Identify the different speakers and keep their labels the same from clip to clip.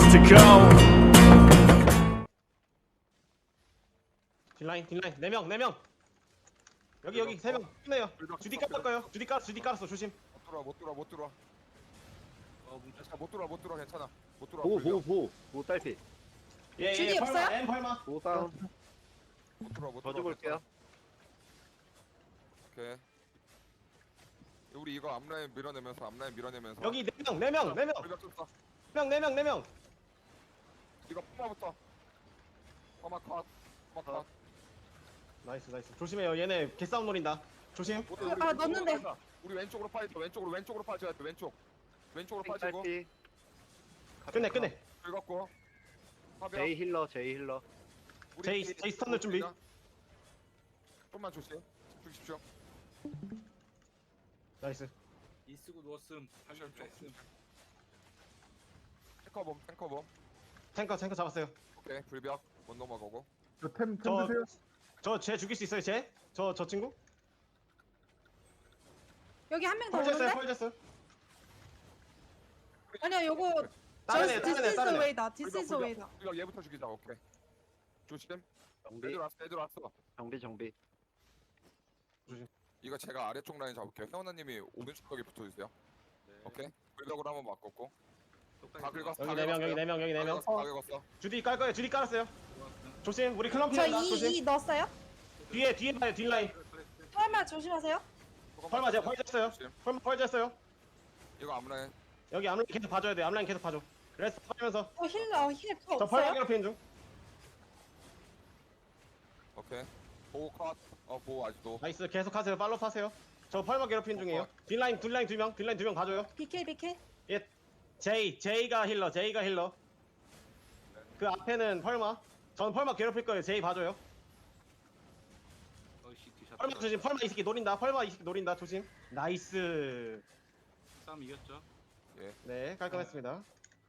Speaker 1: to go.
Speaker 2: 딜라인 4명 여기 3명 끝내요. 주디 깔았어요. 주디 깔았어. 조심.
Speaker 3: 못 들어와. 괜찮아, 못 들어와, 괜찮아. 못 들어와.
Speaker 4: 보고 딸피.
Speaker 5: 주디
Speaker 2: 펄마
Speaker 5: 없어요?
Speaker 2: M 펄마.
Speaker 4: 보고 다운.
Speaker 3: 못 들어와.
Speaker 4: 더 줘볼게요.
Speaker 3: 오케이. 우리 이거 앞라인 밀어내면서.
Speaker 2: 여기 4명
Speaker 3: 불벽 쳤어.
Speaker 2: 4명
Speaker 3: 이거 포마부터. 포마 컷.
Speaker 2: 나이스 조심해요. 얘네 개싸움 노린다. 조심.
Speaker 5: 아, 넣었는데.
Speaker 3: 우리 왼쪽으로 파이터. 왼쪽으로 파줘야 돼. 왼쪽으로 파지고.
Speaker 4: 딸피.
Speaker 2: 끝내.
Speaker 3: 긁었고.
Speaker 4: 제이 힐러.
Speaker 2: 제이 스턴들 준비.
Speaker 3: 좀만 조심. 주십시오.
Speaker 2: 나이스.
Speaker 6: 이쓰고 누웠음. 방금 뺐음.
Speaker 3: 탱커범.
Speaker 2: 탱커 잡았어요.
Speaker 3: 오케이. 불벽. 못 넘어가고.
Speaker 7: 템 드세요.
Speaker 2: 쟤 죽일 수 있어요. 저 친구?
Speaker 5: 여기 한 명 더
Speaker 2: 펄
Speaker 5: 오는데?
Speaker 2: 졌어요.
Speaker 5: 아니야, 요거
Speaker 2: 다른
Speaker 5: This is
Speaker 2: 애.
Speaker 5: the way다. This is the way다.
Speaker 3: 불벽 얘부터 죽이자. 오케이. 조심.
Speaker 4: 정비.
Speaker 3: 애들 왔어.
Speaker 4: 정비.
Speaker 3: 이거 제가 아래쪽 라인 잡을게요. 혜원아님이 오른쪽 벽에 붙어주세요. 오케이. 불벽으로 한번 바꿨고. 다 긁었어.
Speaker 2: 여기 4명.
Speaker 3: 다 긁었어.
Speaker 2: 주디 깔 거예요. 주디 깔았어요. 조심. 우리 클럼피
Speaker 5: 저
Speaker 2: 한다. 조심.
Speaker 5: 2 넣었어요?
Speaker 2: 뒤에 봐요. 뒷라인.
Speaker 5: 설마 조심하세요.
Speaker 2: 펄마 제가 펄 졌어요.
Speaker 3: 조심.
Speaker 2: 펄 졌어요.
Speaker 3: 이거 앞라인.
Speaker 2: 여기 앞라인 계속 봐줘야 돼. 앞라인 계속 봐줘. 레스트 하면서
Speaker 5: 힐
Speaker 2: 저 펄마
Speaker 5: 없어요?
Speaker 2: 괴롭히는 중.
Speaker 3: 오케이. 보호 컷. 보호 아직도.
Speaker 2: 나이스. 계속 하세요. 팔로우 하세요. 저 펄마 괴롭히는 중이에요. 뒷라인 2명 봐줘요.
Speaker 5: 비킬.
Speaker 2: 예. 제이가 힐러. 그 앞에는 펄마. 전 펄마 괴롭힐 거예요. 제이 봐줘요.
Speaker 6: 어이씨 뒤샷.
Speaker 2: 펄마 조심. 펄마 이 새끼 노린다. 조심. 나이스.
Speaker 6: 싸움 이겼죠?
Speaker 2: 네, 깔끔했습니다.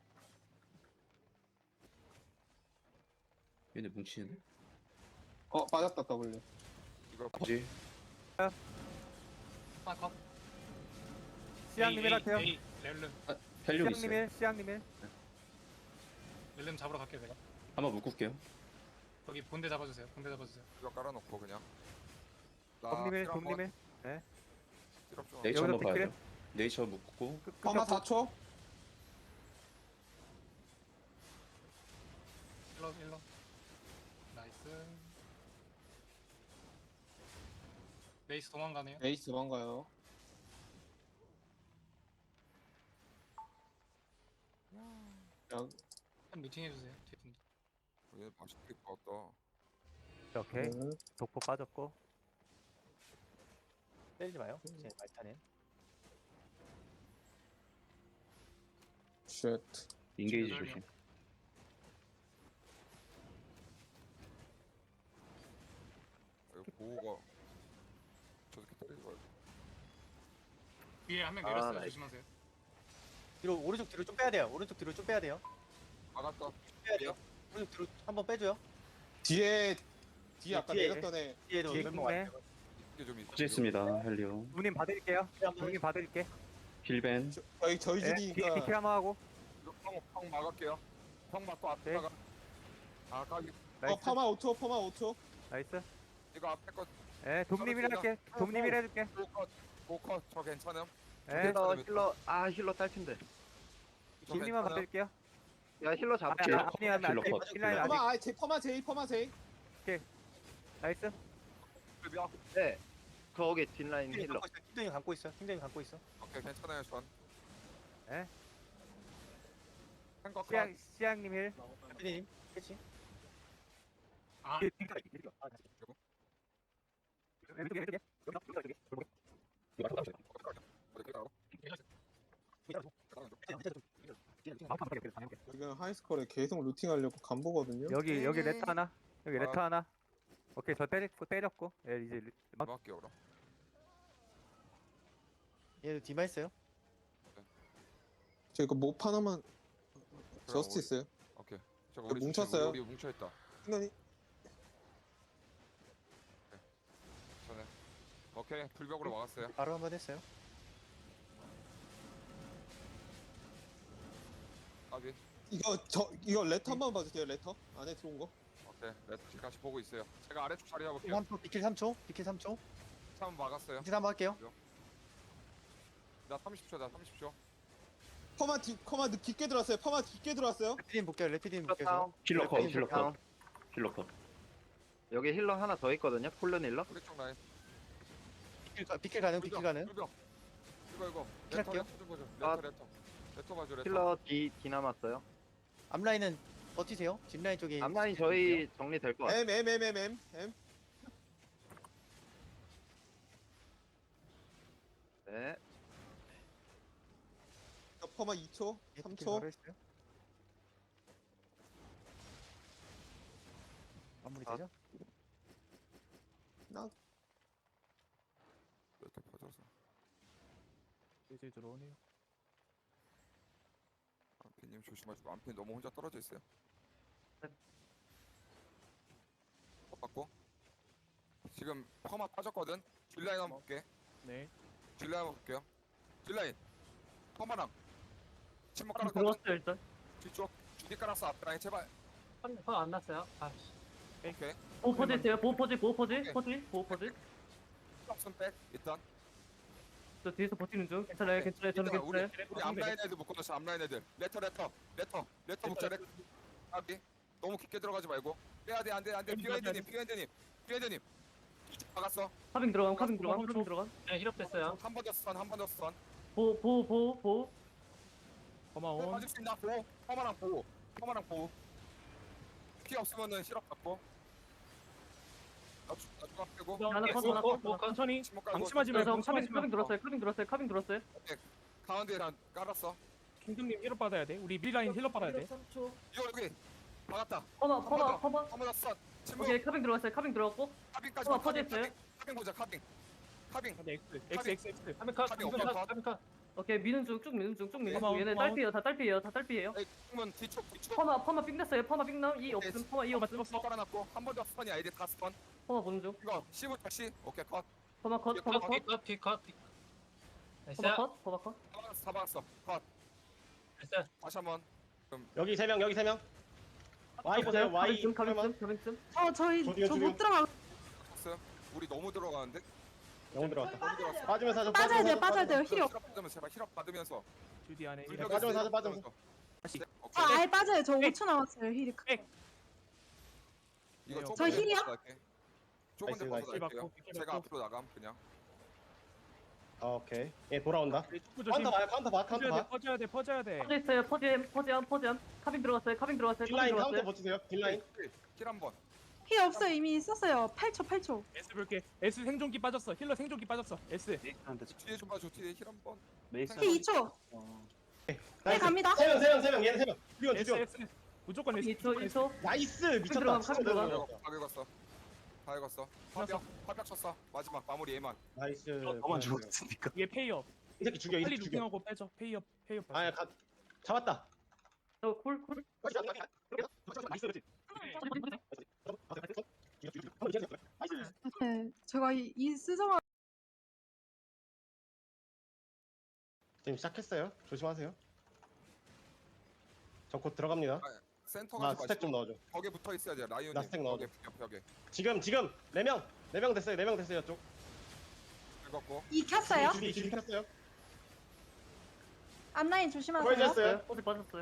Speaker 8: 얘네 뭉치네.
Speaker 7: 빠졌다 W.
Speaker 3: 이거
Speaker 8: 뭐지?
Speaker 6: 컷.
Speaker 7: 시향님일 할게요.
Speaker 6: 렐름.
Speaker 8: 헬륨 있어요.
Speaker 7: 시향님일.
Speaker 6: 렐름 잡으러 갈게요 내가.
Speaker 8: 한번 묶을게요.
Speaker 6: 여기 본대 잡아주세요.
Speaker 3: 이거 깔아놓고 그냥.
Speaker 7: dom님일.
Speaker 8: 네이처 한번
Speaker 7: 여기서
Speaker 8: 봐야죠. 네이처 묶고
Speaker 7: 퍼마 4초.
Speaker 6: 일러. 나이스. 레이스 도망가네요.
Speaker 7: 에이스 뭔가요?
Speaker 6: 한 미팅 해주세요. 뒤에 분들.
Speaker 3: 얘 맛있게 것
Speaker 9: 오케이. 독포 빠졌고. 때리지 마요. 제 말타네.
Speaker 7: 쉣.
Speaker 8: 인게이지
Speaker 6: 기다려.
Speaker 8: 조심.
Speaker 3: 이거 보호가 저렇게 때리지 말고.
Speaker 6: 위에 한 명
Speaker 4: 아,
Speaker 6: 내렸어요.
Speaker 4: 나이스.
Speaker 6: 조심하세요.
Speaker 9: 뒤로 오른쪽 뒤로 좀 빼야 돼요. 오른쪽 뒤로 좀 빼야 돼요.
Speaker 3: 막았다.
Speaker 9: 빼야 돼요. 오른쪽 뒤로 한번 빼줘요.
Speaker 7: 뒤에 아까
Speaker 9: 뒤에.
Speaker 7: 내렸던 애.
Speaker 9: 뒤에도
Speaker 7: 뒤에
Speaker 9: 멤버
Speaker 7: 있네.
Speaker 9: 왔어요.
Speaker 3: 이게 좀 있어.
Speaker 8: 터져 있습니다. 헬륨.
Speaker 9: 누님 봐드릴게요. 누님 봐드릴게.
Speaker 8: 힐벤.
Speaker 7: 저희
Speaker 9: 네,
Speaker 7: 집이니까.
Speaker 9: 비킬 한번 하고.
Speaker 3: 이거 펑 막을게요. 펑 맞고 앞에다가. 아 까기.
Speaker 9: 나이스.
Speaker 7: 퍼마 5초.
Speaker 9: 나이스.
Speaker 3: 이거 앞에 거
Speaker 9: 예, dom님이라 할게. dom님이라 해줄게.
Speaker 3: 고컷 저 괜찮음.
Speaker 9: 예,
Speaker 4: 힐러 딸핀데.
Speaker 3: 저
Speaker 9: dom님만
Speaker 3: 괜찮음.
Speaker 9: 봐드릴게요.
Speaker 4: 야 힐러 잡을게.
Speaker 8: 힐러 컷.
Speaker 9: 힐라인 아직.
Speaker 7: 퍼마 제이.
Speaker 9: 나이스.
Speaker 3: 불벽.
Speaker 4: 네. 거기 뒷라인 힐러.
Speaker 9: 힘든이 감고 있어. 힘든이 감고 있어.
Speaker 3: 오케이 괜찮아요 전.
Speaker 9: 예.
Speaker 3: 한거 컷.
Speaker 9: 시향님 힐. 님 캐치.
Speaker 6: 아,
Speaker 3: 어디 가고?
Speaker 7: 지금 하이스컬에 계속 루팅하려고 간보거든요.
Speaker 9: 여기 레터 하나. 여기 레터 하나. 오케이 저 때렸고. 예 이제
Speaker 3: 뭐 할게요 그럼.
Speaker 9: 얘도 디마 있어요.
Speaker 7: 저 이거 못 하나만 저스트 있어요.
Speaker 3: 오케이. 저거
Speaker 7: 우리 뭉쳤어요.
Speaker 3: 우리 뭉쳐 있다.
Speaker 7: 순간이
Speaker 3: 전에. 오케이 불벽으로 막았어요.
Speaker 9: 바로 한번 했어요.
Speaker 3: 까비.
Speaker 7: 이거 레터 한번 봐주세요. 레터 안에 들어온 거.
Speaker 3: 오케이. 레트까지 보고 있어요. 제가 아래쪽 자리 잡을게요.
Speaker 1: 3초, 비킬 3초, 비킬 3초.
Speaker 3: 한번 막았어요.
Speaker 1: 비킬 한번 할게요.
Speaker 3: 나 30초, 나 30초.
Speaker 7: 퍼마 깊게 들어왔어요. 퍼마 깊게 들어왔어요.
Speaker 1: 레피딘 볼게요. 레피딘
Speaker 4: 힐러
Speaker 1: 볼게요.
Speaker 4: 다운.
Speaker 8: 힐러 컷,
Speaker 4: 레피딘
Speaker 8: 힐러
Speaker 4: 다운.
Speaker 8: 컷. 힐러 컷.
Speaker 4: 여기 힐러 하나 더 있거든요. 폴른 힐러.
Speaker 3: 우리 쪽 라인.
Speaker 1: 비킬 가능, 비킬 가능.
Speaker 3: 불벽. 이거.
Speaker 1: 킬할게요.
Speaker 3: 레터 좀 보죠.
Speaker 4: 아.
Speaker 3: 레터 봐줘, 레터.
Speaker 4: 힐러 D 남았어요.
Speaker 1: 앞라인은 버티세요. 뒷라인 쪽에.
Speaker 4: 앞라인 저희 정리될 것 같아요.
Speaker 7: M.
Speaker 4: 네.
Speaker 7: 퍼마 2초,
Speaker 1: 예, 비킬
Speaker 7: 3초.
Speaker 1: 바로 했어요. 마무리
Speaker 4: 아.
Speaker 1: 되죠?
Speaker 3: 레터 퍼져서.
Speaker 1: 슬슬 들어오네요.
Speaker 3: 안피님 조심하시고 안피 너무 혼자 떨어져 있어요. 받고. 지금 퍼마 빠졌거든. 딜라인 한번 볼게.
Speaker 1: 네.
Speaker 3: 딜라인 한번 볼게요. 딜라인. 퍼마랑. 침묵 깔았거든.
Speaker 9: 들어왔어요 일단.
Speaker 3: 뒤쪽. 주디 깔았어 앞라인 제발.
Speaker 9: 안 났어요.
Speaker 3: 오케이.
Speaker 9: 보호 퍼즈 있어요. 보호 퍼즈,
Speaker 3: 오케이.
Speaker 9: 보호 퍼즈.
Speaker 3: 없음 백 일단.
Speaker 9: 저 뒤에서 버티는 중. 괜찮아요, 괜찮아요. 저는
Speaker 3: 일단 우리
Speaker 9: 괜찮아요.
Speaker 3: 앞라인 애들 묶어놓자. 앞라인 애들. 레터 묶자. 레터. 아비. 너무 깊게 들어가지 말고. 빼야 돼. 안돼. 비어핸드님. 막았어.
Speaker 9: 카빙 들어감. 카빙 들어감. 네, 힐업 됐어요.
Speaker 3: 한 번 더 스턴.
Speaker 9: 보호.
Speaker 1: 고마워.
Speaker 3: 맞을 수 있나? 보호. 퍼마랑 보호. 피 없으면은 실업 받고. 나 중앙 빼고.
Speaker 9: 하나 컷.
Speaker 6: 천천히.
Speaker 3: 침묵 깔고.
Speaker 6: 방심하지 말고.
Speaker 9: 카빙 들었어요.
Speaker 3: 가운데 난 깔았어.
Speaker 6: 킹덤님 힐업 받아야 돼. 우리 밀라인 힐업 받아야 돼.
Speaker 3: 이거 여기. 막았다.
Speaker 9: 퍼마.
Speaker 3: 한번 스턴. 침묵.
Speaker 9: 오케이, 카빙 들어갔어요.
Speaker 3: 카빙까지.
Speaker 9: 퍼마 퍼졌어요.
Speaker 3: 카빙 보자. 카빙.
Speaker 6: X.
Speaker 3: 카빙 오빠.
Speaker 9: 오케이, 미는 중, 쭉 미는 중.
Speaker 6: 고마워,
Speaker 9: 얘네
Speaker 6: 고마워.
Speaker 9: 다 딸피예요.
Speaker 3: 그러면 뒤쪽.
Speaker 9: 퍼마 삥 됐어요. 퍼마 삥 나옴. 이 없음. 퍼마 이 없음.
Speaker 3: 스턴 깔아놨고 한 번 더 스턴이 아이디 다 스턴.
Speaker 9: 퍼마 보는 중.
Speaker 3: 이거 10부터 10. 오케이 컷.
Speaker 9: 퍼마 컷.
Speaker 3: 다 박았어. 컷. 다시 한번.
Speaker 2: 여기 3명. Y 보세요. Y.
Speaker 9: 카빙.
Speaker 5: 저희
Speaker 2: 저기요,
Speaker 5: 저
Speaker 2: 저기요.
Speaker 5: 못 들어가.
Speaker 3: 쳤어요. 우리 너무 들어가는데.
Speaker 2: 영혼 들어갔다.
Speaker 3: 너무 들어갔어.
Speaker 2: 빠지면서 하자.
Speaker 5: 빠져야 돼요. 힐 없.
Speaker 3: 힐업 받으면 제발 힐업 받으면서.
Speaker 6: 주디 안에.
Speaker 3: 불벽에
Speaker 2: 빠지면서
Speaker 3: 힐업
Speaker 2: 하자.
Speaker 3: 받으면서.
Speaker 6: 다시.
Speaker 3: 네,
Speaker 5: 저
Speaker 3: 오케이.
Speaker 5: 아예 빠져요. 저 5초 남았어요. 힐이.
Speaker 3: 이거 좁은
Speaker 5: 저
Speaker 3: 데서
Speaker 5: 힐이요?
Speaker 3: 갈게. 좁은 데
Speaker 2: 나이스,
Speaker 3: 벗어 갈게요.
Speaker 6: 힐
Speaker 3: 제가
Speaker 6: 받고.
Speaker 3: 앞으로 나감 그냥.
Speaker 2: 오케이. 얘 돌아온다.
Speaker 6: 축구 조심.
Speaker 2: 카운터 봐.
Speaker 6: 퍼져야 돼.
Speaker 9: 퍼져 있어요. 퍼지암. 카빙 들어갔어요.
Speaker 2: 딜라인 카운터 버티세요. 딜라인.
Speaker 3: 힐 한번.
Speaker 5: 힐 없어요. 이미 썼어요. 8초.
Speaker 6: S 볼게. S 생존기 빠졌어. 힐러 생존기 빠졌어. S.
Speaker 3: 뒤에 좀 봐줘. 뒤에 힐 한번.
Speaker 8: 메이스.
Speaker 5: 힐 2초. 네, 갑니다.
Speaker 2: 3명. 얘는 3명.
Speaker 6: S.
Speaker 2: 죽여.
Speaker 6: S. 무조건 S.
Speaker 9: 2초.
Speaker 2: 나이스. 미쳤다.
Speaker 9: 들어가면
Speaker 2: 진짜
Speaker 9: 카빙 들어가면.
Speaker 2: 들어갔다.
Speaker 3: 다 긁었어. 다 긁었어. 화벽 쳤어. 마지막 마무리 얘만.
Speaker 2: 나이스.
Speaker 8: 너만 죽었으니까.
Speaker 6: 얘 페이업.
Speaker 2: 이 새끼 죽여. 이
Speaker 6: 빨리
Speaker 2: 새끼 죽여.
Speaker 6: 루팅하고 빼줘. 페이업.
Speaker 2: 아야 잡았다.
Speaker 9: 콜.
Speaker 5: 네, 제가 이 스정아
Speaker 2: 지금 시작했어요. 조심하세요. 저 곧 들어갑니다.
Speaker 3: 센터
Speaker 2: 나
Speaker 3: 가지
Speaker 2: 스택 좀
Speaker 3: 마시고
Speaker 2: 넣어줘.
Speaker 3: 벽에 붙어 있어야 돼. 라이온님.
Speaker 2: 나 스택 넣어줘.
Speaker 3: 벽에.
Speaker 2: 지금 4명 됐어요. 4명 됐어요. 쪽.
Speaker 3: 긁었고.
Speaker 5: 이 켰어요.
Speaker 2: 줄이 켰어요.
Speaker 5: 앞라인 조심하세요.
Speaker 2: 보여줬어요.
Speaker 9: 퍼지 빠졌어요.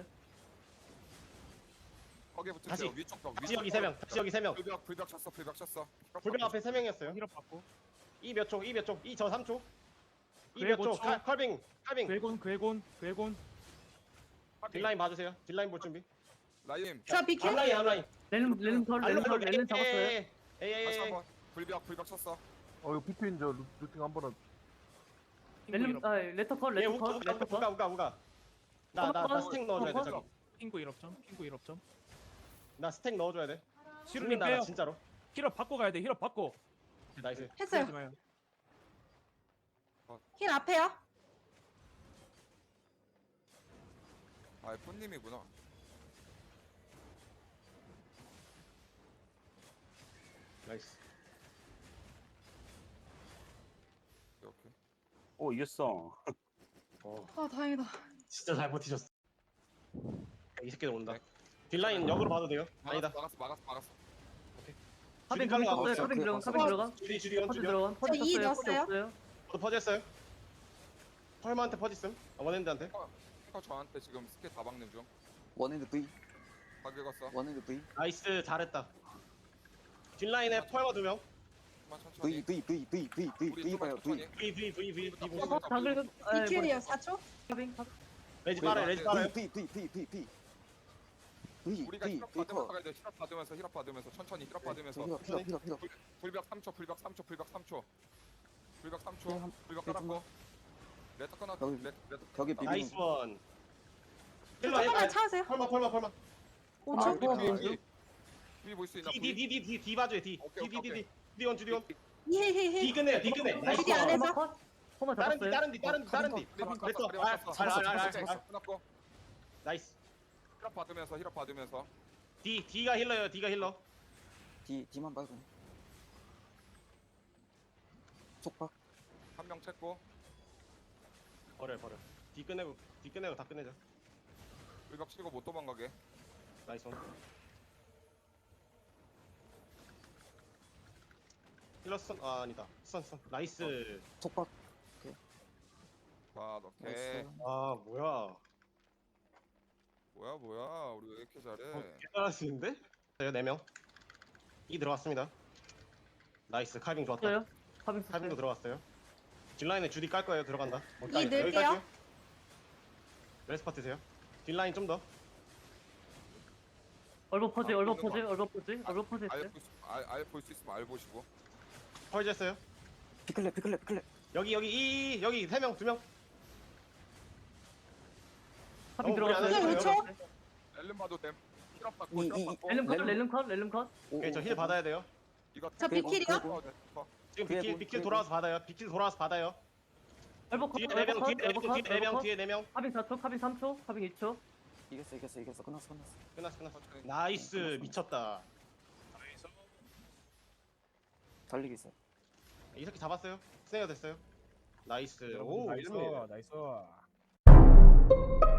Speaker 3: 벽에 붙으세요.
Speaker 2: 다시.
Speaker 3: 위쪽 벽.
Speaker 2: 다시 여기 3명. 다시 여기 3명.
Speaker 3: 불벽 쳤어.
Speaker 2: 불병 앞에 3명이었어요.
Speaker 6: 힐업 받고.
Speaker 2: 이 몇 초? 이 저 3초. 이
Speaker 6: 그래,
Speaker 2: 몇 초?
Speaker 6: 5초.
Speaker 2: 칼빙.
Speaker 6: 괴곤.
Speaker 2: 딜라인 봐주세요. 딜라인 볼 준비.
Speaker 3: 라이온.
Speaker 5: 저 비켜.
Speaker 2: 앞라인.
Speaker 9: 렐름 잡았어요.
Speaker 3: 다시
Speaker 2: 에이.
Speaker 3: 한번. 불벽 쳤어.
Speaker 10: 이거 피트인 저 루팅 한 번은
Speaker 9: 레터 컷.
Speaker 2: 얘 우가. 나 스택 넣어줘야 돼. 저기.
Speaker 6: 핑구 1업점.
Speaker 2: 나 스택 넣어줘야 돼.
Speaker 6: 시루님
Speaker 2: 죽는다, 나
Speaker 6: 빼요.
Speaker 2: 진짜로.
Speaker 6: 힐업 받고 가야 돼. 힐업 받고.
Speaker 2: 나이스.
Speaker 6: 하지
Speaker 5: 했어요.
Speaker 6: 마요.
Speaker 5: 힐 앞에요.
Speaker 3: 아, 폰님이구나.
Speaker 2: 나이스.
Speaker 3: 오케이.
Speaker 8: 오 이겼어.
Speaker 5: 아 다행이다.
Speaker 2: 진짜 잘 버티셨어. 이 새끼들 온다.
Speaker 3: 네.
Speaker 2: 딜라인 역으로 봐도 돼요. 아니다.
Speaker 3: 막았어.
Speaker 2: 하빈 가는 거
Speaker 4: 없어요.
Speaker 2: 없어요.
Speaker 4: 하빈 들어간,
Speaker 5: 하빈
Speaker 4: 들어간.
Speaker 2: 주디.
Speaker 5: 저 2 넣었어요.
Speaker 2: 저도 퍼지했어요. 펄마한테 퍼지음. 원핸드한테.
Speaker 3: 탱커 저한테 지금 스킬 다 박는 중.
Speaker 4: 원핸드 V.
Speaker 3: 다 긁었어.
Speaker 4: 원핸드 V.
Speaker 2: 나이스 잘했다. 딜라인에 펄마 2명.
Speaker 3: 좀만 천천히.
Speaker 4: V
Speaker 3: 우리 좀만 천천히.
Speaker 2: V
Speaker 5: 비킬이요 4초.
Speaker 2: 레지 빨아요. 레지 빨아요.
Speaker 3: 우리가 힐업 받으면서 가야 돼. 힐업 받으면서 천천히 힐업 받으면서. 불벽 3초. 불벽 3초. 불벽 깔았고. 레터 끊었고. 레터
Speaker 2: 나이스 원. 힐러
Speaker 5: 잠깐만 차세요.
Speaker 2: 펄마.
Speaker 5: 5초.
Speaker 3: 위 볼 수 있나?
Speaker 2: D 봐줘요. D.
Speaker 3: 오케이.
Speaker 2: 주디원.
Speaker 5: 히히히.
Speaker 2: D 끝내. 나이스
Speaker 5: 디디
Speaker 2: 원.
Speaker 5: 안에서.
Speaker 2: 다른 D. 레터.
Speaker 3: 끊었고.
Speaker 2: 나이스.
Speaker 3: 힐업 받으면서.
Speaker 2: D가 힐러.
Speaker 4: D만 빨고. 속박.
Speaker 3: 한 명 쳤고.
Speaker 2: 버려. D 끝내고 다 끝내자.
Speaker 3: 불벽 치고 못 도망가게.
Speaker 2: 나이스 원. 힐러 스턴. 아 아니다. 스턴. 나이스.
Speaker 4: 속박.
Speaker 3: 자, 오케이.
Speaker 2: 아 뭐야.
Speaker 3: 뭐야. 우리 왜 이렇게 잘해?
Speaker 2: 잘할 수 있는데? 저요 4명. 이 들어왔습니다. 나이스. 칼빙 좋았다. 칼빙도 들어왔어요. 딜라인에 주디 깔 거예요. 들어간다.
Speaker 5: 이 넣을게요.
Speaker 2: 레스파 드세요. 딜라인 좀 더.
Speaker 3: 얼버 퍼지 알 볼 수 있으면 알 보시고.
Speaker 2: 펄즈 했어요.
Speaker 4: 피클레.
Speaker 2: 여기 3명 2명.
Speaker 6: 하빈
Speaker 5: 들어갔어요. 5초.
Speaker 3: 렐름 봐도 됨. 힐업 받고.
Speaker 6: 렐름 컷.
Speaker 2: 오케이 저 힐 받아야 돼요.
Speaker 3: 이거
Speaker 5: 저 비킬이요.
Speaker 2: 지금 비킬 돌아와서 받아요. 뒤에 4명. 뒤에 4명.
Speaker 6: 하빈 4초, 하빈 3초, 하빈 2초.
Speaker 4: 이겼어. 끝났어.
Speaker 2: 끝났어. 나이스 미쳤다.
Speaker 4: 달리기 있어.
Speaker 2: 이 새끼 잡았어요. 스네어 됐어요. 나이스. 오
Speaker 6: 나이스.
Speaker 2: 이름이.
Speaker 6: 나이스.